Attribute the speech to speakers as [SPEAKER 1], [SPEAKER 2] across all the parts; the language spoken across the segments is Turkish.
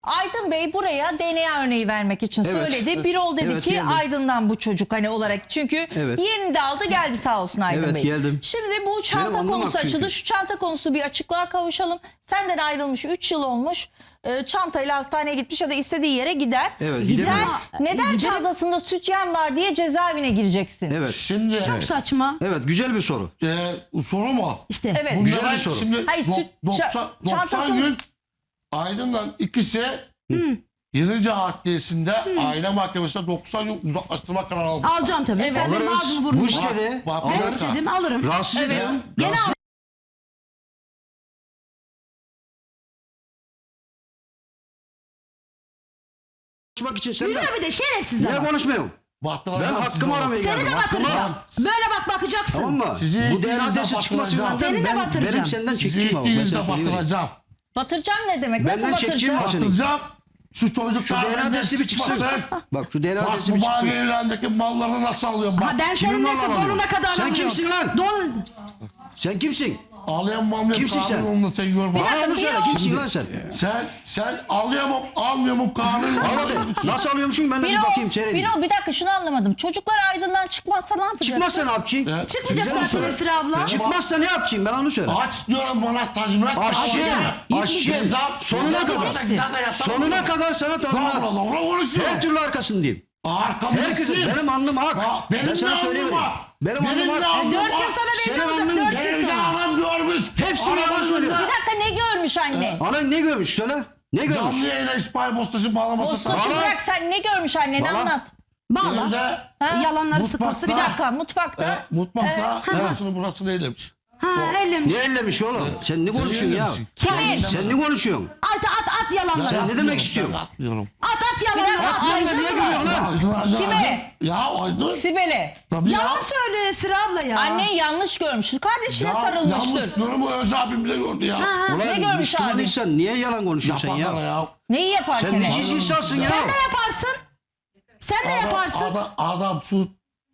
[SPEAKER 1] Aydın Bey buraya DNA örneği vermek için
[SPEAKER 2] Evet.
[SPEAKER 1] söyledi. Birol dedi
[SPEAKER 2] Evet,
[SPEAKER 1] ki
[SPEAKER 2] geldim.
[SPEAKER 1] Aydın'dan bu çocuk hani olarak. Çünkü
[SPEAKER 2] Evet.
[SPEAKER 1] yerini de aldı geldi sağ olsun Aydın
[SPEAKER 2] Evet,
[SPEAKER 1] Bey.
[SPEAKER 2] geldim.
[SPEAKER 1] Şimdi bu çanta
[SPEAKER 2] Benim anlamak
[SPEAKER 1] konusu açıldı.
[SPEAKER 2] çünkü.
[SPEAKER 1] Şu çanta konusu bir açıklığa kavuşalım. Senden ayrılmış 3 yıl olmuş. Çantayla hastaneye gitmiş ya da istediği yere gider.
[SPEAKER 2] Evet,
[SPEAKER 1] Sen
[SPEAKER 2] gidemiyor.
[SPEAKER 1] neden çantasında sütyen var diye cezaevine gireceksin?
[SPEAKER 2] Evet.
[SPEAKER 3] Şimdi
[SPEAKER 4] Çok saçma.
[SPEAKER 2] Evet, güzel bir soru.
[SPEAKER 3] soru mu?
[SPEAKER 4] İşte.
[SPEAKER 1] Evet.
[SPEAKER 3] Bunlara
[SPEAKER 2] Güzel bir soru.
[SPEAKER 3] Şimdi
[SPEAKER 1] Hayır,
[SPEAKER 3] 90
[SPEAKER 1] çantasını-
[SPEAKER 3] gün Aydın'dan ikisi 7. Adliyesinde aile mahkemesinde 90 gün uzaklaştırma kararı almış.
[SPEAKER 4] Alacağım tabii.
[SPEAKER 1] Evet.
[SPEAKER 4] Sen benim
[SPEAKER 2] Alırız.
[SPEAKER 4] ağzımı burnumu.
[SPEAKER 2] Bu istedi.
[SPEAKER 3] Bak,
[SPEAKER 4] Ben
[SPEAKER 3] alırız.
[SPEAKER 4] istedim alırım.
[SPEAKER 2] Rahatsız
[SPEAKER 1] Evet.
[SPEAKER 2] ediyor.
[SPEAKER 4] Gene al.
[SPEAKER 2] Konuşmak için sen de.
[SPEAKER 4] Yürü bir de şerefsizler.
[SPEAKER 2] Niye
[SPEAKER 4] bak.
[SPEAKER 2] konuşmuyorum? Ben
[SPEAKER 3] Bahtıracağım sizi
[SPEAKER 2] hakkımı
[SPEAKER 3] oğlum.
[SPEAKER 2] aramaya
[SPEAKER 4] Seni
[SPEAKER 2] geldim.
[SPEAKER 4] de
[SPEAKER 2] Hakkımı
[SPEAKER 4] batıracağım. Böyle bak bakacaksın.
[SPEAKER 2] Tamam mı?
[SPEAKER 3] Sizi
[SPEAKER 2] Bu
[SPEAKER 3] ikiniz
[SPEAKER 2] DNA
[SPEAKER 3] de
[SPEAKER 2] testi çıkmasın
[SPEAKER 3] batıracağım.
[SPEAKER 4] Seni de batıracağım.
[SPEAKER 2] benim senden
[SPEAKER 3] Sizi
[SPEAKER 2] çekeyim ama. Ben
[SPEAKER 3] ikiniz de
[SPEAKER 2] sana söyleyeyim.
[SPEAKER 3] batıracağım.
[SPEAKER 1] Batıracağım ne demek?
[SPEAKER 2] Benden
[SPEAKER 1] Nasıl
[SPEAKER 2] çekeceğim
[SPEAKER 1] batıracağım?
[SPEAKER 2] mi?
[SPEAKER 3] Batıracağım. Şu çocuklar
[SPEAKER 2] Şu DNA
[SPEAKER 3] benden
[SPEAKER 2] testi bir çıksın.
[SPEAKER 3] çıkmasın.
[SPEAKER 2] Bak şu DNA
[SPEAKER 3] Bak
[SPEAKER 2] testi
[SPEAKER 3] bu
[SPEAKER 2] bir
[SPEAKER 3] mavi
[SPEAKER 2] çıksın.
[SPEAKER 3] evlendeki malları nasıl alıyorum bak.
[SPEAKER 4] Ha ben
[SPEAKER 2] Kimin
[SPEAKER 4] senin neyse
[SPEAKER 2] malını
[SPEAKER 4] donuna kadar
[SPEAKER 2] Sen
[SPEAKER 4] alıyorum.
[SPEAKER 2] kimsin lan?
[SPEAKER 4] Don.
[SPEAKER 2] Sen kimsin?
[SPEAKER 3] Ağlayan mamle
[SPEAKER 2] Kimsin sen?
[SPEAKER 3] kanununu sen gör bak.
[SPEAKER 2] Bana onu söyle. Kimsin lan sen?
[SPEAKER 3] Sen alıyor mu almıyor mu kanunu?
[SPEAKER 2] Al hadi. Nasıl alıyormuşum ben de bir bakayım seyredeyim.
[SPEAKER 1] Bir dakika şunu anlamadım. Çocuklar Aydın'dan çıkmazsa ne yapacak?
[SPEAKER 2] Çıkmazsa ne yapacaksın?
[SPEAKER 3] Evet.
[SPEAKER 4] Çıkmayacak
[SPEAKER 2] Güzel bir
[SPEAKER 4] zaten
[SPEAKER 2] soru.
[SPEAKER 4] Esra abla.
[SPEAKER 2] Çıkmazsa ne yapacaksın? Ben onu söyle.
[SPEAKER 3] Aç diyorum bana tazminat.
[SPEAKER 2] Aşçı. Sonuna kadar sana tazminat.
[SPEAKER 3] Doğru konuşuyor.
[SPEAKER 2] Her türlü arkasındayım.
[SPEAKER 3] Arkamdasın.
[SPEAKER 2] Herkesin. Benim alnım hak.
[SPEAKER 3] Benim
[SPEAKER 2] Ben sana
[SPEAKER 3] de
[SPEAKER 2] söyleyeyim.
[SPEAKER 3] alnım var.
[SPEAKER 2] Benim alnım
[SPEAKER 3] de
[SPEAKER 2] hak.
[SPEAKER 3] alnım
[SPEAKER 4] 4 gün
[SPEAKER 3] var.
[SPEAKER 4] sonra belli
[SPEAKER 2] Senin
[SPEAKER 4] olacak.
[SPEAKER 2] alnın
[SPEAKER 4] 4 gün
[SPEAKER 3] Evde
[SPEAKER 4] sonra.
[SPEAKER 3] anam görmüş.
[SPEAKER 2] Hepsini bana söylüyor.
[SPEAKER 1] Bir dakika ne görmüş anne?
[SPEAKER 2] Anan ne görmüş söyle. Ne görmüş?
[SPEAKER 3] Canlı yayına İsmail Bostaş'ın bağlaması.
[SPEAKER 1] Postacı
[SPEAKER 2] Bana-
[SPEAKER 1] bırak sen ne görmüş anneni
[SPEAKER 2] Bana-
[SPEAKER 1] anlat.
[SPEAKER 4] Bağla.
[SPEAKER 3] Evde
[SPEAKER 4] Yalanları
[SPEAKER 3] Mutfakta-
[SPEAKER 4] sıkması
[SPEAKER 1] Bir
[SPEAKER 4] bir dakika.
[SPEAKER 1] dakika mutfakta.
[SPEAKER 3] mutfakta burasını eylemiş.
[SPEAKER 4] Ha ellemiş.
[SPEAKER 2] Ne ellemiş oğlum? Sen ne konuşuyorsun ya?
[SPEAKER 1] Kimin?
[SPEAKER 2] Sen ne konuşuyorsun?
[SPEAKER 4] At yalanları.
[SPEAKER 2] Sen ne demek istiyorsun?
[SPEAKER 3] Atmıyorum.
[SPEAKER 4] At yalanları.
[SPEAKER 1] dakika,
[SPEAKER 4] At.
[SPEAKER 1] Aydın
[SPEAKER 2] Niye
[SPEAKER 1] mı?
[SPEAKER 2] gülüyorsun lan?
[SPEAKER 1] Kime?
[SPEAKER 3] Ya Aydın.
[SPEAKER 1] Sibel'e.
[SPEAKER 3] Tabii ya.
[SPEAKER 4] Yalan söylüyor Esra abla ya.
[SPEAKER 1] Annen yanlış görmüş. Kardeşine
[SPEAKER 3] Ya
[SPEAKER 1] sarılmıştır.
[SPEAKER 3] yanlış yorumu Öz abim bile gördü ya.
[SPEAKER 1] Ne görmüş
[SPEAKER 2] Müslüman
[SPEAKER 1] abi?
[SPEAKER 2] insan niye yalan konuşuyorsun sen
[SPEAKER 3] Yapaklara
[SPEAKER 2] ya?
[SPEAKER 3] ya.
[SPEAKER 1] Neyi yaparken?
[SPEAKER 2] Sen neciz insansın ya.
[SPEAKER 4] Sen ne yaparsın? Sen ne yaparsın?
[SPEAKER 3] Adam su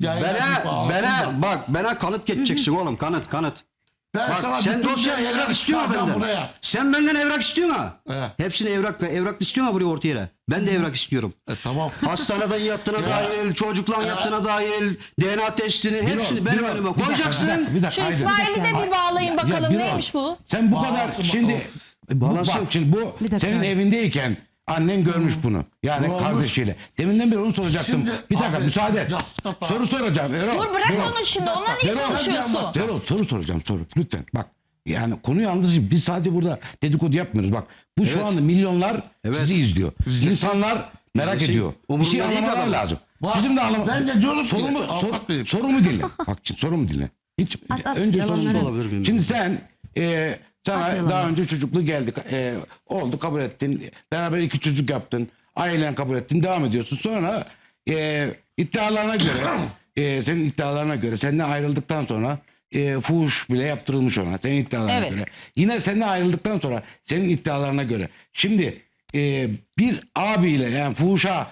[SPEAKER 2] Bana kanıt geçeceksin oğlum kanıt.
[SPEAKER 3] Ben
[SPEAKER 2] Bak
[SPEAKER 3] sana
[SPEAKER 2] sen
[SPEAKER 3] bütün
[SPEAKER 2] dosya
[SPEAKER 3] şeyleri
[SPEAKER 2] evrak istiyorsun
[SPEAKER 3] çıkaracağım
[SPEAKER 2] benden.
[SPEAKER 3] buraya.
[SPEAKER 2] Sen benden evrak istiyorsun ha.
[SPEAKER 3] Evet.
[SPEAKER 2] Hepsini evrak istiyorsun ha buraya ortaya yere. Ben de evrak istiyorum.
[SPEAKER 3] Tamam.
[SPEAKER 2] Hastaneden yattığına dahil, çocukla yattığına dahil, DNA testini hepsini benim
[SPEAKER 5] Birol,
[SPEAKER 2] önüme
[SPEAKER 5] bir dakika,
[SPEAKER 2] koyacaksın.
[SPEAKER 5] bir dakika,
[SPEAKER 1] Şu
[SPEAKER 5] Aydın.
[SPEAKER 1] İsmail'i de bir bağlayın bakalım.
[SPEAKER 5] Birol,
[SPEAKER 1] Neymiş bu?
[SPEAKER 5] Sen bu kadar şimdi bak şimdi bu
[SPEAKER 4] dakika.
[SPEAKER 5] senin evindeyken annen görmüş bunu. Yani
[SPEAKER 3] Olmuş.
[SPEAKER 5] kardeşiyle. Deminden beri onu soracaktım.
[SPEAKER 3] Şimdi,
[SPEAKER 5] Bir dakika
[SPEAKER 3] abi,
[SPEAKER 5] müsaade et.
[SPEAKER 3] yastık kapağı.
[SPEAKER 5] Soru soracağım. Erol,
[SPEAKER 1] Dur bırak
[SPEAKER 5] Erol.
[SPEAKER 1] onu şimdi. Onunla niye
[SPEAKER 5] Erol,
[SPEAKER 1] konuşuyorsun?
[SPEAKER 5] Erol soru soracağım lütfen. Bak yani konuyu anlatayım. Biz sadece burada dedikodu yapmıyoruz. Bak bu şu anda milyonlar sizi izliyor. İnsanlar merak
[SPEAKER 2] İzlesin.
[SPEAKER 5] ediyor. Bir
[SPEAKER 2] Umurumda
[SPEAKER 5] şey
[SPEAKER 2] değil
[SPEAKER 5] anlamalar
[SPEAKER 2] adam.
[SPEAKER 5] lazım.
[SPEAKER 3] Bak,
[SPEAKER 5] Bizim de anlamamız.
[SPEAKER 3] ben de diyorum ki, avukat beyim.
[SPEAKER 5] Sorumu dinle. Bak şimdi sorumu dinle. Hiç
[SPEAKER 4] at,
[SPEAKER 5] önce
[SPEAKER 4] yalanları.
[SPEAKER 5] sorumu
[SPEAKER 2] Olabilir miyim?
[SPEAKER 5] Şimdi sen sana
[SPEAKER 4] yalanları.
[SPEAKER 5] daha önce çocuklu geldik. Oldu kabul ettin. Beraber 2 çocuk yaptın. Ailen kabul ettin. Devam ediyorsun. Sonra iddialarına göre senin iddialarına göre senden ayrıldıktan sonra fuhuş bile yaptırılmış ona. Senin iddialarına
[SPEAKER 1] Evet.
[SPEAKER 5] göre. Yine senden ayrıldıktan sonra senin iddialarına göre. Şimdi bir abiyle yani fuhuşa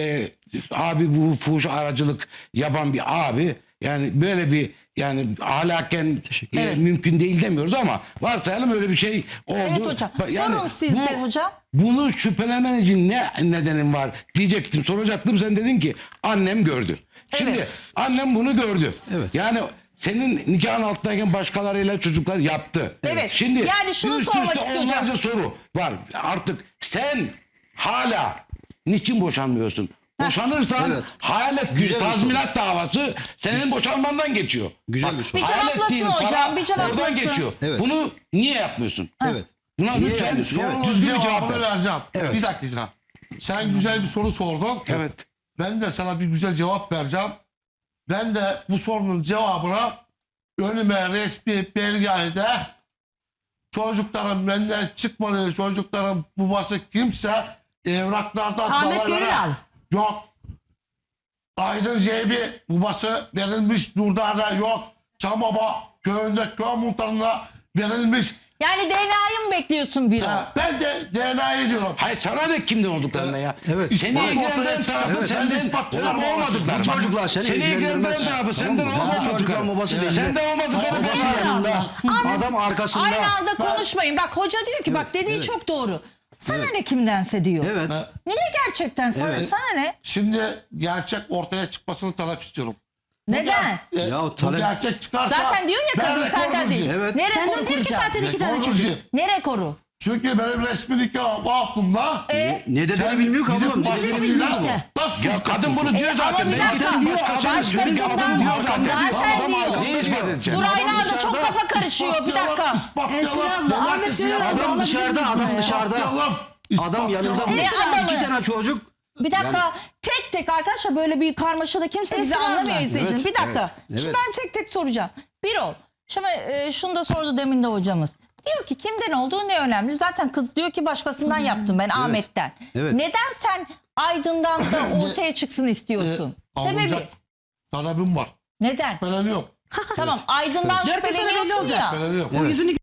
[SPEAKER 5] abi bu fuhuşa aracılık yapan bir abi yani böyle bir yani ahlaken
[SPEAKER 1] Evet.
[SPEAKER 5] mümkün değil demiyoruz ama varsayalım öyle bir şey oldu.
[SPEAKER 1] Evet hocam. Sorun sizde hocam.
[SPEAKER 5] Bunu şüphelenen için ne nedenin var diyecektim soracaktım sen dedin ki annem gördü. Şimdi
[SPEAKER 1] Evet.
[SPEAKER 5] annem bunu gördü.
[SPEAKER 2] Evet.
[SPEAKER 5] Yani senin nikahın altındayken başkalarıyla çocuklar yaptı.
[SPEAKER 1] Evet.
[SPEAKER 5] Şimdi
[SPEAKER 1] Yani şunu
[SPEAKER 5] üst
[SPEAKER 1] sormak
[SPEAKER 5] üste
[SPEAKER 1] istiyorum.
[SPEAKER 5] onlarca soru var. Artık sen hala niçin boşanmıyorsun? Boşanırsan
[SPEAKER 2] Evet.
[SPEAKER 5] hayal ettiğin
[SPEAKER 2] Güzel bir
[SPEAKER 5] tazminat davası senin boşanmandan geçiyor.
[SPEAKER 2] Güzel
[SPEAKER 5] Bak,
[SPEAKER 2] bir soru.
[SPEAKER 1] Bir
[SPEAKER 5] hayal
[SPEAKER 1] cevaplasın
[SPEAKER 5] ettiğin
[SPEAKER 1] hocam,
[SPEAKER 5] para
[SPEAKER 1] bir cevaplasın.
[SPEAKER 5] oradan geçiyor.
[SPEAKER 2] Evet.
[SPEAKER 5] Bunu niye yapmıyorsun?
[SPEAKER 2] Evet.
[SPEAKER 5] Buna
[SPEAKER 2] Niye
[SPEAKER 5] lütfen
[SPEAKER 2] yapmıyorsun? Evet.
[SPEAKER 5] düzgün bir cevap
[SPEAKER 3] Cevabını
[SPEAKER 5] ver.
[SPEAKER 3] vereceğim.
[SPEAKER 5] Evet.
[SPEAKER 3] Bir dakika. Sen güzel bir soru sordun.
[SPEAKER 5] Evet.
[SPEAKER 3] Ben de sana bir güzel cevap vereceğim. Ben de bu sorunun cevabına önüme resmi belgede çocukların benden çıkmadığı çocukların babası kimse evraklarda
[SPEAKER 4] Ahmet
[SPEAKER 3] dalaylara-
[SPEAKER 4] Gönül al.
[SPEAKER 3] yok. Aydın Zeybi babası verilmiş Nurdar'da yok. Çamaba köyünde köy muhtarına verilmiş.
[SPEAKER 1] Yani DNA'yı mı bekliyorsun bir
[SPEAKER 3] Ben de DNA'yı diyorum.
[SPEAKER 5] Hayır sana ne kimden olduklarına ya?
[SPEAKER 2] Evet.
[SPEAKER 5] Seni
[SPEAKER 3] İspat ortaya
[SPEAKER 5] ilgilendiren
[SPEAKER 3] çıkacak.
[SPEAKER 5] tarafı
[SPEAKER 3] Evet.
[SPEAKER 5] senden
[SPEAKER 3] İspatçılar
[SPEAKER 5] olup olmadıkları.
[SPEAKER 2] Bu çocuklar seni
[SPEAKER 5] ilgilendiren
[SPEAKER 2] ilgilendirmez.
[SPEAKER 5] tarafı
[SPEAKER 2] Tamam
[SPEAKER 5] senden
[SPEAKER 2] mı?
[SPEAKER 5] olmadıkları.
[SPEAKER 2] Çocukların babası değil.
[SPEAKER 5] Senden olmadıkları.
[SPEAKER 2] Babası
[SPEAKER 5] belli.
[SPEAKER 2] yanında. Adam arkasında.
[SPEAKER 1] Aynı anda konuşmayın. Bak hoca diyor ki bak dediği çok doğru. Sana ne kimdense diyor.
[SPEAKER 2] Evet.
[SPEAKER 1] Niye gerçekten sana ne?
[SPEAKER 3] Şimdi gerçek ortaya çıkmasını talep istiyorum.
[SPEAKER 1] Neden?
[SPEAKER 2] Ya
[SPEAKER 3] Bu
[SPEAKER 2] talep-
[SPEAKER 3] gerçek çıkarsa
[SPEAKER 1] Zaten diyor ya
[SPEAKER 3] ben
[SPEAKER 1] kadın senden
[SPEAKER 3] rekorcuyum.
[SPEAKER 1] değil.
[SPEAKER 2] Evet.
[SPEAKER 1] Ne
[SPEAKER 4] Senden
[SPEAKER 1] rekoru
[SPEAKER 4] değil ki
[SPEAKER 1] kuracağım?
[SPEAKER 4] zaten 2 tane çocuk.
[SPEAKER 3] Rekorcuyum.
[SPEAKER 1] Ne rekoru?
[SPEAKER 3] Çünkü benim resmi nikahım altında.
[SPEAKER 2] Ne dediğini bilmiyor ki
[SPEAKER 3] gidip
[SPEAKER 2] ablam. Ne
[SPEAKER 3] başkasıyla
[SPEAKER 2] dediğini bilmiyor ki.
[SPEAKER 3] nasıl
[SPEAKER 5] Ya
[SPEAKER 3] sus
[SPEAKER 5] kadın
[SPEAKER 3] kapıyorsun?
[SPEAKER 5] bunu diyor zaten.
[SPEAKER 1] ama bir
[SPEAKER 5] Ben
[SPEAKER 1] dakika,
[SPEAKER 5] zaten diyor.
[SPEAKER 1] başkasından-
[SPEAKER 5] Çünkü adam diyor zaten.
[SPEAKER 1] Zaten diyor.
[SPEAKER 5] Ne ispat edeceksin?
[SPEAKER 1] Dur aynı anda çok kafa karışıyor. Bir dakika.
[SPEAKER 3] İspatlayalım.
[SPEAKER 4] Esra abla, Ahmet Gönül abla
[SPEAKER 2] Adam
[SPEAKER 4] olabilir
[SPEAKER 2] dışarıda,
[SPEAKER 4] mi?
[SPEAKER 2] adam dışarıda. Adam yanında.
[SPEAKER 1] Ne adamı?
[SPEAKER 2] 2 tane çocuk.
[SPEAKER 1] Bir dakika tek tek arkadaşlar böyle bir karmaşada kimse bizi
[SPEAKER 4] Esra
[SPEAKER 1] anlamıyor
[SPEAKER 4] abla.
[SPEAKER 1] izleyicinin.
[SPEAKER 2] Evet,
[SPEAKER 1] Bir dakika.
[SPEAKER 2] evet,
[SPEAKER 1] Şimdi
[SPEAKER 2] evet.
[SPEAKER 1] ben tek tek soracağım. Bir ol. Şimdi şunu da sordu demin de hocamız. Diyor ki kimden olduğu ne önemli. Zaten kız diyor ki başkasından yaptım ben Ahmet'ten.
[SPEAKER 2] Evet.
[SPEAKER 1] Neden sen Aydın'dan da ortaya çıksın istiyorsun? Sebebi
[SPEAKER 3] Alınacak talebim var.
[SPEAKER 1] neden?
[SPEAKER 3] Şüpheleniyorum.
[SPEAKER 1] Tamam Aydın'dan
[SPEAKER 4] Dört gün sonra belli
[SPEAKER 1] şüpheleniyorsun
[SPEAKER 4] olacak.
[SPEAKER 1] ya.
[SPEAKER 3] Şüpheleniyorum.
[SPEAKER 4] O yüzünü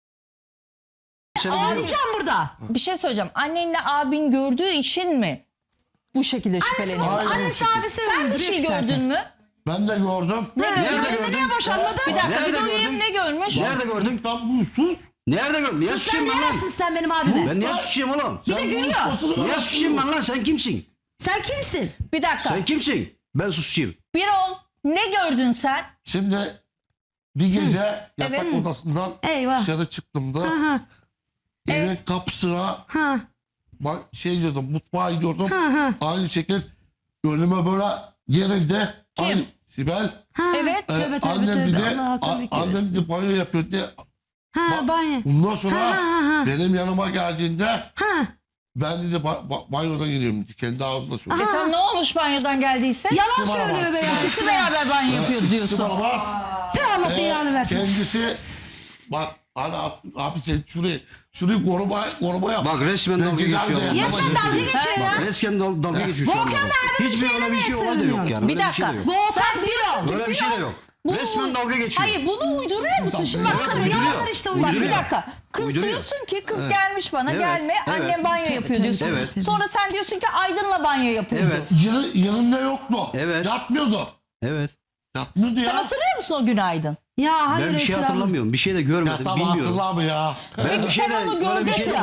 [SPEAKER 2] Seni biliyor.
[SPEAKER 4] ağlayacağım burada.
[SPEAKER 1] Bir şey söyleyeceğim. Annenle abin gördüğü için mi bu şekilde şüpheleniyorsun?
[SPEAKER 3] Aynen o
[SPEAKER 4] Annesi
[SPEAKER 3] şekilde.
[SPEAKER 4] abisi
[SPEAKER 1] Sen bir
[SPEAKER 4] öldürüyor
[SPEAKER 1] şey
[SPEAKER 4] ki zaten.
[SPEAKER 1] gördün mü?
[SPEAKER 3] Ben de gördüm.
[SPEAKER 4] Nerede niye boşanmadın?
[SPEAKER 1] Bir dakika
[SPEAKER 2] Nerede
[SPEAKER 1] bir duyayım
[SPEAKER 2] gördün?
[SPEAKER 1] ne görmüş?
[SPEAKER 2] Nerede gördün?
[SPEAKER 3] İstanbul sus.
[SPEAKER 2] Nerede gördün? Niye
[SPEAKER 4] Sen
[SPEAKER 2] suçayım ben lan?
[SPEAKER 4] neresi sen benim abime?
[SPEAKER 2] Ben niye suçayım oğlum?
[SPEAKER 3] Sen
[SPEAKER 4] gülüyor.
[SPEAKER 3] konuşmasını
[SPEAKER 2] Niye
[SPEAKER 3] öğren.
[SPEAKER 2] suçayım ben lan? Sen kimsin?
[SPEAKER 4] Sen kimsin?
[SPEAKER 1] Bir dakika.
[SPEAKER 2] Sen kimsin? Ben suçayım.
[SPEAKER 1] Bir ol. Ne gördün sen?
[SPEAKER 3] Şimdi bir gece yatak
[SPEAKER 1] Evet.
[SPEAKER 3] odasından
[SPEAKER 4] Eyvah.
[SPEAKER 3] dışarı çıktığımda
[SPEAKER 4] Ha
[SPEAKER 3] evin kapısına
[SPEAKER 4] ha.
[SPEAKER 3] şey diyordum, mutfağa gidiyordum.
[SPEAKER 4] ha.
[SPEAKER 3] Aynı şekilde önüme böyle gerildi.
[SPEAKER 1] Kim?
[SPEAKER 3] Ay, Sibel.
[SPEAKER 1] Evet.
[SPEAKER 4] Tövbe tövbe
[SPEAKER 3] Annem bir
[SPEAKER 4] tövbe.
[SPEAKER 3] de
[SPEAKER 4] Allah akıl fikir
[SPEAKER 3] annem
[SPEAKER 4] versin.
[SPEAKER 3] bir de banyo yapıyor diye.
[SPEAKER 4] Ha banyo.
[SPEAKER 3] Bundan sonra
[SPEAKER 4] Ha.
[SPEAKER 3] benim yanıma geldiğinde
[SPEAKER 4] Ha.
[SPEAKER 3] ben dedi banyodan gidiyorum. Kendi ağzına söylüyor.
[SPEAKER 1] Tamam ne olmuş banyodan geldiyse?
[SPEAKER 4] Yalan
[SPEAKER 3] İkisi var
[SPEAKER 4] söylüyor
[SPEAKER 3] ama,
[SPEAKER 4] be ya.
[SPEAKER 3] ikisi
[SPEAKER 1] İkisi beraber banyo yapıyor
[SPEAKER 3] İkisi
[SPEAKER 1] diyorsun.
[SPEAKER 3] beraber.
[SPEAKER 4] Tüh Allah belanı versin.
[SPEAKER 3] Kendisi bak abi sen şurayı korumaya
[SPEAKER 2] Bak resmen dalga geçiyor.
[SPEAKER 4] Ya sen dalga geçiyor ya.
[SPEAKER 2] Bak resmen dalga geçiyor şu anda.
[SPEAKER 4] Volkan
[SPEAKER 2] bak.
[SPEAKER 4] abinin
[SPEAKER 2] Hiçbir
[SPEAKER 4] şeyine
[SPEAKER 2] öyle bir şey
[SPEAKER 4] niye
[SPEAKER 2] olay da yok
[SPEAKER 4] sığınıyorsun?
[SPEAKER 2] yani.
[SPEAKER 1] Bir
[SPEAKER 2] Öyle bir şey
[SPEAKER 1] dakika.
[SPEAKER 2] de yok.
[SPEAKER 1] Sen bir ol.
[SPEAKER 2] Böyle bir şey de yok. Resmen dalga geçiyor.
[SPEAKER 1] Hayır bunu uyduruyor musun? Şimdi bak
[SPEAKER 2] Evet,
[SPEAKER 1] kız
[SPEAKER 2] uyduruyor.
[SPEAKER 1] yalanlar işte uyduruyor. Bak bir
[SPEAKER 2] Uyduruyor.
[SPEAKER 1] dakika. Kız
[SPEAKER 2] Uyduruyor.
[SPEAKER 1] diyorsun ki kız gelmiş bana
[SPEAKER 2] Evet,
[SPEAKER 1] gelme
[SPEAKER 2] evet.
[SPEAKER 1] annem banyo yapıyor diyorsun.
[SPEAKER 2] Evet.
[SPEAKER 1] Sonra sen diyorsun ki Aydın'la banyo yapıyordu.
[SPEAKER 2] Evet.
[SPEAKER 3] yanında yoktu.
[SPEAKER 2] Evet.
[SPEAKER 3] Yatmıyordu.
[SPEAKER 2] Evet.
[SPEAKER 3] Yatmıyordu
[SPEAKER 1] Sen
[SPEAKER 3] ya.
[SPEAKER 1] hatırlıyor musun o gün Aydın?
[SPEAKER 4] Ya hayır
[SPEAKER 2] Ben bir şey
[SPEAKER 4] Esra abla.
[SPEAKER 2] hatırlamıyorum. Bir şey de
[SPEAKER 3] Ya
[SPEAKER 2] görmedim.
[SPEAKER 3] tamam
[SPEAKER 2] Bilmiyorum.
[SPEAKER 3] hatırla ya.
[SPEAKER 2] Ben
[SPEAKER 1] Peki
[SPEAKER 2] bir şey
[SPEAKER 1] sen
[SPEAKER 2] de
[SPEAKER 1] onu
[SPEAKER 2] böyle bir şey
[SPEAKER 1] gördün
[SPEAKER 2] de...
[SPEAKER 1] mü?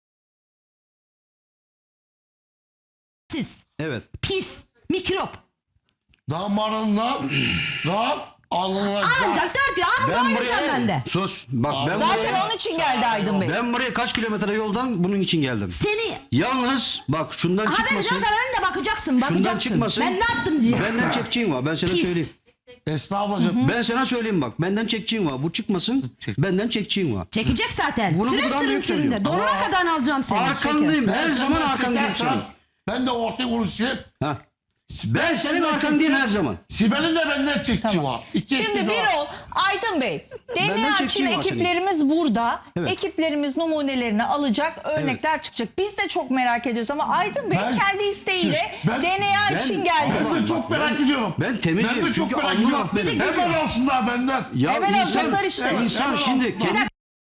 [SPEAKER 4] Siz
[SPEAKER 2] Evet.
[SPEAKER 4] pis mikrop.
[SPEAKER 3] Damarından alınacak.
[SPEAKER 4] Ancak der ki ah
[SPEAKER 2] Ben
[SPEAKER 4] oynayacağım ben de.
[SPEAKER 2] Sus. Bak ben
[SPEAKER 1] Zaten
[SPEAKER 2] buraya...
[SPEAKER 1] onun için geldi Aydın Bey.
[SPEAKER 2] Ben buraya kaç kilometre yoldan bunun için geldim.
[SPEAKER 4] Seni
[SPEAKER 2] Yalnız bak şundan
[SPEAKER 4] haber
[SPEAKER 2] çıkmasın.
[SPEAKER 4] zaten önünde bakacaksın.
[SPEAKER 2] Şundan çıkmasın.
[SPEAKER 4] Ben ne yaptım diye.
[SPEAKER 2] Benden çekeceğin var. Ben sana
[SPEAKER 4] Pis.
[SPEAKER 2] söyleyeyim.
[SPEAKER 3] Esra ablacığım.
[SPEAKER 2] Ben sana söyleyeyim bak. Benden çekeceğin var. Bu çıkmasın. Benden çekeceğin var.
[SPEAKER 4] Çekecek zaten.
[SPEAKER 2] Bunu
[SPEAKER 4] Sürem
[SPEAKER 2] buradan
[SPEAKER 4] sürüm
[SPEAKER 2] büyük
[SPEAKER 4] sürümde.
[SPEAKER 2] söylüyorum.
[SPEAKER 4] Donuna kadar alacağım seni.
[SPEAKER 2] Arkandayım. Her zaman
[SPEAKER 3] senden
[SPEAKER 2] arkandayım
[SPEAKER 3] çekersem
[SPEAKER 2] senin.
[SPEAKER 3] Ben de ortaya konuşayım.
[SPEAKER 2] Ha. Ben senin arkandayım her zaman.
[SPEAKER 3] Sibel'in de benden çekçi var.
[SPEAKER 1] Şimdi bir ol Aydın Bey.
[SPEAKER 2] Benden
[SPEAKER 1] DNA için
[SPEAKER 2] çekeceğim var
[SPEAKER 1] ekiplerimiz burada.
[SPEAKER 2] Evet.
[SPEAKER 1] Ekiplerimiz numunelerini alacak, örnekler çıkacak. Biz de çok merak ediyoruz ama Aydın Bey
[SPEAKER 3] Ben-
[SPEAKER 1] kendi isteğiyle
[SPEAKER 3] Ben-
[SPEAKER 1] DNA için geldi.
[SPEAKER 3] Ben de çok merak ediyorum.
[SPEAKER 2] Ben temizim.
[SPEAKER 3] Ben de çok
[SPEAKER 2] Çünkü
[SPEAKER 3] merak
[SPEAKER 2] alnım
[SPEAKER 3] ediyorum.
[SPEAKER 2] ak benim.
[SPEAKER 3] Hemen alsınlar benden.
[SPEAKER 2] Ya
[SPEAKER 1] Hemen
[SPEAKER 2] insan,
[SPEAKER 1] alacaklar işte.
[SPEAKER 2] insan
[SPEAKER 3] Hemen
[SPEAKER 2] şimdi
[SPEAKER 3] alsınlar.
[SPEAKER 2] kendi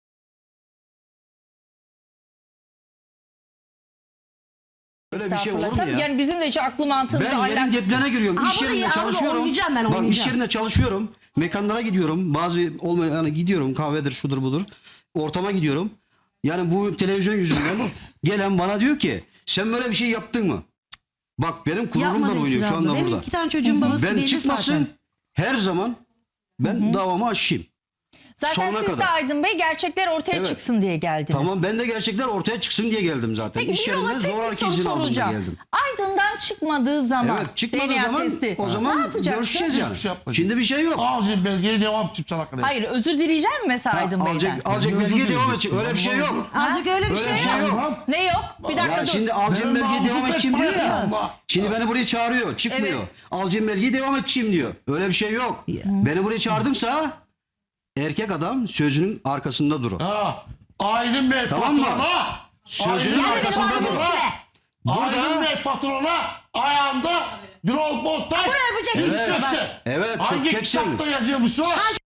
[SPEAKER 2] Öyle bir şey olur mu
[SPEAKER 1] Tabii
[SPEAKER 2] ya?
[SPEAKER 1] yani bizim de hiç aklı mantığımıza
[SPEAKER 2] Ben yerin
[SPEAKER 1] ahlak.
[SPEAKER 2] ceplene giriyorum.
[SPEAKER 4] Ha,
[SPEAKER 2] İş
[SPEAKER 4] bunu
[SPEAKER 2] yerinde
[SPEAKER 4] ya, bunu
[SPEAKER 2] çalışıyorum.
[SPEAKER 4] oynayacağım ben,
[SPEAKER 2] Bak iş
[SPEAKER 4] oynayacağım.
[SPEAKER 2] yerinde çalışıyorum. Mekanlara gidiyorum. Bazı olmayan yani gidiyorum. Kahvedir şudur budur. Ortama gidiyorum. Yani bu televizyon yüzünden gelen bana diyor ki sen böyle bir şey yaptın mı? Bak benim gururumdan
[SPEAKER 4] Yapma
[SPEAKER 2] oynuyor
[SPEAKER 4] Esra
[SPEAKER 2] şu anda
[SPEAKER 4] abla. Benim
[SPEAKER 2] burada.
[SPEAKER 4] 2 tane çocuğum babası
[SPEAKER 2] Ben
[SPEAKER 4] belli
[SPEAKER 2] çıkmasın
[SPEAKER 4] zaten.
[SPEAKER 2] her zaman ben davamı aşayım.
[SPEAKER 1] Zaten
[SPEAKER 2] sonuna
[SPEAKER 1] siz de
[SPEAKER 2] kadar.
[SPEAKER 1] Aydın Bey gerçekler ortaya
[SPEAKER 2] Evet.
[SPEAKER 1] çıksın diye geldiniz.
[SPEAKER 2] Tamam ben de gerçekler ortaya çıksın diye geldim zaten.
[SPEAKER 1] Peki
[SPEAKER 2] İş
[SPEAKER 1] bir yola
[SPEAKER 2] yerinde
[SPEAKER 1] tek bir
[SPEAKER 2] zoraki
[SPEAKER 1] soru
[SPEAKER 2] izin aldım da
[SPEAKER 1] soracağım.
[SPEAKER 2] geldim.
[SPEAKER 1] Aydın'dan çıkmadığı zaman
[SPEAKER 2] Evet çıkmadığı
[SPEAKER 1] DNA
[SPEAKER 2] zaman
[SPEAKER 1] testi.
[SPEAKER 2] o
[SPEAKER 1] ne
[SPEAKER 2] zaman
[SPEAKER 1] yapacaksın?
[SPEAKER 2] görüşeceğiz yani.
[SPEAKER 3] Hiçbir şey yapmayacağım.
[SPEAKER 2] Şimdi bir şey yok.
[SPEAKER 3] Ağacın belgeyi devam edeceğim sana kadar.
[SPEAKER 1] Hayır özür dileyecek mi mesela Aydın Bey'den?
[SPEAKER 2] Alacak belge devam edecek. Öyle bir şey yok.
[SPEAKER 4] Azıcık öyle bir
[SPEAKER 2] Öyle
[SPEAKER 4] şey
[SPEAKER 2] bir şey
[SPEAKER 4] yok.
[SPEAKER 2] yok.
[SPEAKER 1] Ne yok? Bir dakika
[SPEAKER 2] Ya
[SPEAKER 1] dur.
[SPEAKER 2] şimdi alacağım
[SPEAKER 3] Benim
[SPEAKER 2] belgeyi devam
[SPEAKER 3] namusum
[SPEAKER 2] edeceğim diyor
[SPEAKER 3] etmez
[SPEAKER 2] ya.
[SPEAKER 3] ya.
[SPEAKER 2] Şimdi beni buraya çağırıyor. Çıkmıyor.
[SPEAKER 1] Evet.
[SPEAKER 2] Alacağım belgeyi devam edeceğim diyor. Öyle bir şey yok. Beni buraya çağırdımsa erkek adam sözünün arkasında durur.
[SPEAKER 3] Ha. Aydın Bey
[SPEAKER 2] Tamam mı?
[SPEAKER 3] patrona.
[SPEAKER 2] Sözünün
[SPEAKER 3] Aydın Bey
[SPEAKER 2] arkasında
[SPEAKER 3] patrona.
[SPEAKER 2] durur.
[SPEAKER 3] Aydın Bey patrona ayağında Birol Bostan.
[SPEAKER 4] Bunu yapacaksın
[SPEAKER 2] Evet.
[SPEAKER 4] işte.
[SPEAKER 2] Evet,
[SPEAKER 3] Hangi
[SPEAKER 2] çökeceksin.
[SPEAKER 3] kitapta yazıyormuş o?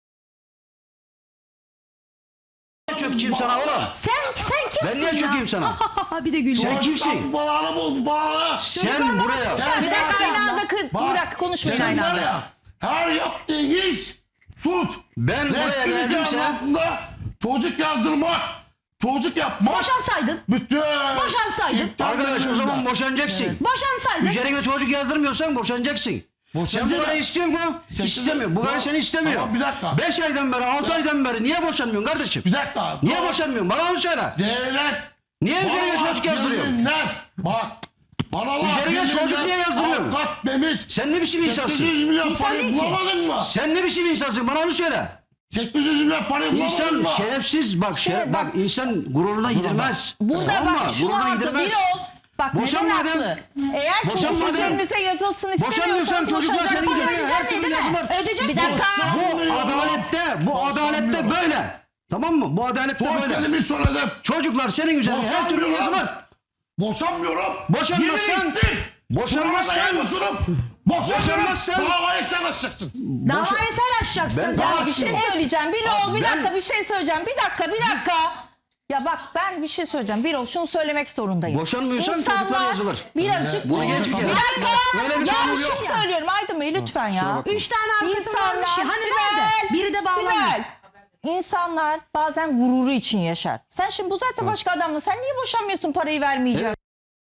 [SPEAKER 2] Çökeceğim sana oğlum.
[SPEAKER 4] Sen kimsin
[SPEAKER 2] Ben niye
[SPEAKER 4] ya?
[SPEAKER 2] çökeyim sana?
[SPEAKER 4] Bir de gülüyor.
[SPEAKER 2] Sen kimsin?
[SPEAKER 3] Bu bağını bul, bu bağını.
[SPEAKER 2] Sen buraya.
[SPEAKER 1] Bir dakika aynı anda bir dakika konuşmayın
[SPEAKER 3] Senin
[SPEAKER 1] aynı
[SPEAKER 3] var
[SPEAKER 1] anda.
[SPEAKER 3] ya, her yaptığın iş suç.
[SPEAKER 2] Ben buraya
[SPEAKER 3] Resmi
[SPEAKER 2] geldimse
[SPEAKER 3] nikahın altında çocuk yazdırmak çocuk yapmak.
[SPEAKER 4] Boşansaydın.
[SPEAKER 3] Bütün.
[SPEAKER 4] Boşansaydın.
[SPEAKER 2] Arkadaş o zaman boşanacaksın.
[SPEAKER 4] Boşansaydın.
[SPEAKER 2] Üzerine çocuk yazdırmıyorsan boşanacaksın. Sen bu karı istiyor mu? İstemiyor. Bu karı seni istemiyor.
[SPEAKER 3] Tamam, bir dakika.
[SPEAKER 2] 5 aydan beri 6 aydan beri niye boşanmıyorsun kardeşim?
[SPEAKER 3] Bir dakika.
[SPEAKER 2] Niye boşanmıyorsun? Bana onu söyle.
[SPEAKER 3] Devlet.
[SPEAKER 2] Niye üzerine
[SPEAKER 3] Vallahi
[SPEAKER 2] çocuk yazdırıyorsun?
[SPEAKER 3] yeminler. Bak. Paralar
[SPEAKER 2] Üzerine çocuk niye yazdırıyorsun?
[SPEAKER 3] Avukat demiş.
[SPEAKER 2] Sen ne biçim insansın?
[SPEAKER 3] 800 milyon
[SPEAKER 4] İnsan
[SPEAKER 3] parayı
[SPEAKER 4] değil ki.
[SPEAKER 3] bulamadın mı?
[SPEAKER 2] Sen ne biçim insansın? Bana onu söyle.
[SPEAKER 3] 800 milyon parayı bulamadın
[SPEAKER 2] İnsan
[SPEAKER 3] mı?
[SPEAKER 2] şerefsiz bak bak insan gururuna gidirmez.
[SPEAKER 1] Burada
[SPEAKER 2] Tamam
[SPEAKER 1] bak
[SPEAKER 2] mı?
[SPEAKER 1] şunu
[SPEAKER 2] Gururuna
[SPEAKER 1] haklı
[SPEAKER 2] gidirmez.
[SPEAKER 1] bir ol. Bak
[SPEAKER 2] Boşan
[SPEAKER 1] neden
[SPEAKER 2] madem-
[SPEAKER 1] haklı? Eğer çocuk
[SPEAKER 2] Boşan madem-
[SPEAKER 1] üzerinize yazılsın
[SPEAKER 2] Boşanmıyorsan
[SPEAKER 1] istemiyorsan
[SPEAKER 2] çocuklar senin üzerine her türlü yazılır.
[SPEAKER 4] Ödeyeceksin.
[SPEAKER 1] Bir dakika.
[SPEAKER 2] Bu adalette böyle. Tamam mı? Bu adalette
[SPEAKER 3] Son
[SPEAKER 2] böyle.
[SPEAKER 3] kelimi söyledim.
[SPEAKER 2] Çocuklar senin üzerine her türlü
[SPEAKER 3] Boşanmıyorum.
[SPEAKER 2] yazılır.
[SPEAKER 3] Boşanmıyorum.
[SPEAKER 2] Boşanmazsan-
[SPEAKER 3] Yemin ettim.
[SPEAKER 2] boşanmazsan- Boşanmazsan-
[SPEAKER 3] Davayı sen açacaksın.
[SPEAKER 4] Davayı sen açacaksın.
[SPEAKER 1] Ya bir şey söyleyeceğim. Bir ol bir dakika bir şey söyleyeceğim. Bir dakika. Ya bak ben bir şey söyleyeceğim. Bir ol şunu söylemek zorundayım.
[SPEAKER 2] Boşanmıyorsan çocuklar yazılır.
[SPEAKER 1] Birazcık.
[SPEAKER 2] Bunu geç bir
[SPEAKER 1] Bir
[SPEAKER 2] kere.
[SPEAKER 1] dakika.
[SPEAKER 2] Öyle bir
[SPEAKER 1] Ya
[SPEAKER 2] kanun
[SPEAKER 1] bir
[SPEAKER 2] yok.
[SPEAKER 1] şey söylüyorum Aydın Bey lütfen ya.
[SPEAKER 4] 3 tane avukatın varmış ya. Hani nerede? Biri de bağlanıyor.
[SPEAKER 1] Sibel. İnsanlar bazen gururu için yaşar. Sen şimdi bu zaten başka adamla. Sen niye boşanmıyorsun parayı vermeyeceğim?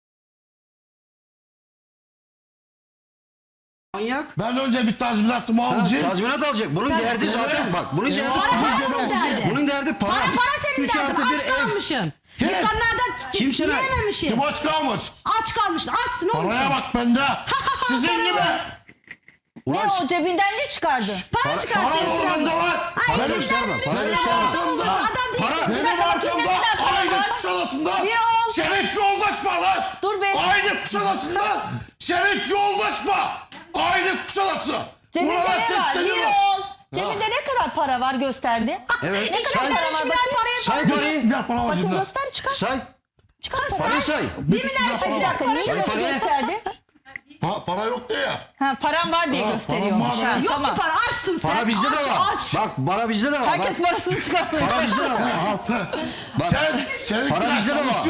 [SPEAKER 2] Manyak.
[SPEAKER 3] Ben önce bir tazminatımı alacağım.
[SPEAKER 2] Tazminat alacak. Bunun derdi zaten bak. Bunun derdi
[SPEAKER 4] Para derdi.
[SPEAKER 2] Bunun derdi para.
[SPEAKER 4] Para senin
[SPEAKER 2] 3
[SPEAKER 4] derdin.
[SPEAKER 2] artı bir
[SPEAKER 4] Aç
[SPEAKER 2] ev.
[SPEAKER 4] kalmışsın. Dükkanlarda
[SPEAKER 2] Kimseler-
[SPEAKER 4] yiyememişsin.
[SPEAKER 3] Kim aç kalmış?
[SPEAKER 4] Aç kalmışsın. Açsın oğlum.
[SPEAKER 3] Paraya bak bende. Sizin gibi.
[SPEAKER 1] Ne o cebinden ne çıkardın?
[SPEAKER 4] Para çıkarttı.
[SPEAKER 3] Para bende var.
[SPEAKER 2] Para gösterme. Para gösterme.
[SPEAKER 4] Adam değil.
[SPEAKER 2] Para-
[SPEAKER 3] Benim arkamda aynı kuşadasında
[SPEAKER 1] Bir ol.
[SPEAKER 3] Şeref Yoldaş var lan.
[SPEAKER 1] Dur be.
[SPEAKER 3] Aynı kuşadasında Şeref Yoldaş var. Aynı kuşadası.
[SPEAKER 1] Cebinde
[SPEAKER 3] Buradan
[SPEAKER 1] ne var? Bir
[SPEAKER 3] sesleniyorum.
[SPEAKER 1] ol. Cebinde ne kadar para var gösterdi?
[SPEAKER 2] Evet.
[SPEAKER 1] Ne kadar
[SPEAKER 2] Say-
[SPEAKER 1] para var bakayım?
[SPEAKER 2] Say parayı.
[SPEAKER 3] Bir para var
[SPEAKER 1] Bakın
[SPEAKER 3] cebimde.
[SPEAKER 1] göster çıkar.
[SPEAKER 2] Say.
[SPEAKER 1] Çıkar
[SPEAKER 2] Parayı say.
[SPEAKER 1] Bir dakika niye böyle
[SPEAKER 2] parayı-
[SPEAKER 1] gösterdi?
[SPEAKER 3] Para yok diye ya.
[SPEAKER 1] Ha param var diye
[SPEAKER 3] Ha,
[SPEAKER 1] gösteriyormuş.
[SPEAKER 3] param var.
[SPEAKER 1] Ha,
[SPEAKER 4] Yok
[SPEAKER 1] tamam.
[SPEAKER 4] mu para? Açsın sen.
[SPEAKER 2] Para bizde de
[SPEAKER 4] Aç,
[SPEAKER 2] var.
[SPEAKER 4] aç.
[SPEAKER 2] Bak para bizde de var.
[SPEAKER 1] Herkes
[SPEAKER 2] Bak,
[SPEAKER 1] parasını çıkartıyor.
[SPEAKER 2] para bizde de var.
[SPEAKER 3] Senin
[SPEAKER 2] Para bizde de var.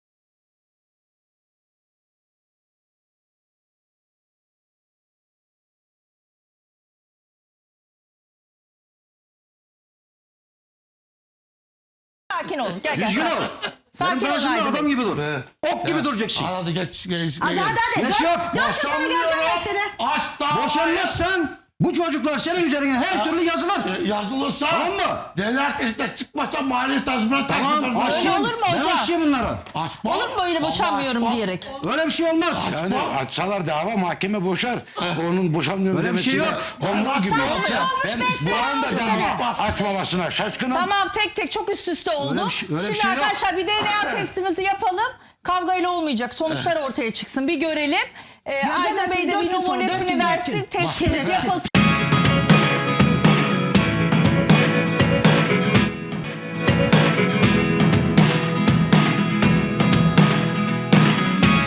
[SPEAKER 1] Sakin ol. Gel.
[SPEAKER 2] Düzgün ol.
[SPEAKER 1] Sakin
[SPEAKER 2] Benim
[SPEAKER 1] ol
[SPEAKER 2] karşımda
[SPEAKER 1] Aydın
[SPEAKER 2] adam
[SPEAKER 1] Bey.
[SPEAKER 2] gibi dur. Ok gibi duracaksın.
[SPEAKER 3] Hadi geç.
[SPEAKER 4] Hadi hadi.
[SPEAKER 2] Yaş yok.
[SPEAKER 4] Dört sene göreceğim ben seni.
[SPEAKER 3] Asla.
[SPEAKER 2] Boşanmazsan bu çocuklar senin üzerine her türlü yazılır.
[SPEAKER 3] Yazılırsa.
[SPEAKER 2] Tamam mı?
[SPEAKER 3] Deli arkasında çıkmasa mali tazminat
[SPEAKER 2] Tamam.
[SPEAKER 3] taksitler.
[SPEAKER 2] Aşçıyım.
[SPEAKER 1] olur mu
[SPEAKER 2] Ben
[SPEAKER 1] hocam?
[SPEAKER 2] aşçıyım bunları.
[SPEAKER 3] Açma.
[SPEAKER 1] Olur mu böyle boşanmıyorum
[SPEAKER 3] Açma.
[SPEAKER 1] diyerek?
[SPEAKER 2] Öyle bir şey olmaz.
[SPEAKER 5] Yani açsalar dava mahkeme boşar. Onun boşanmıyorum
[SPEAKER 2] Öyle bir şey
[SPEAKER 5] demesiyle
[SPEAKER 2] yok.
[SPEAKER 5] onun gibi.
[SPEAKER 3] Sen
[SPEAKER 5] Ben bu anda dava açmamasına şaşkınım.
[SPEAKER 1] Tamam tek çok üst üste oldu.
[SPEAKER 2] Öyle bir şey
[SPEAKER 1] Şimdi
[SPEAKER 2] yok.
[SPEAKER 1] arkadaşlar bir DNA testimizi yapalım. Kavgayla olmayacak. Sonuçlar ortaya çıksın. Bir görelim. Aydın Bey de bir
[SPEAKER 4] dört gün sonra, dört
[SPEAKER 1] numunesini
[SPEAKER 4] gün
[SPEAKER 1] versin.
[SPEAKER 4] bekleyin.
[SPEAKER 1] Testimiz yapılsın.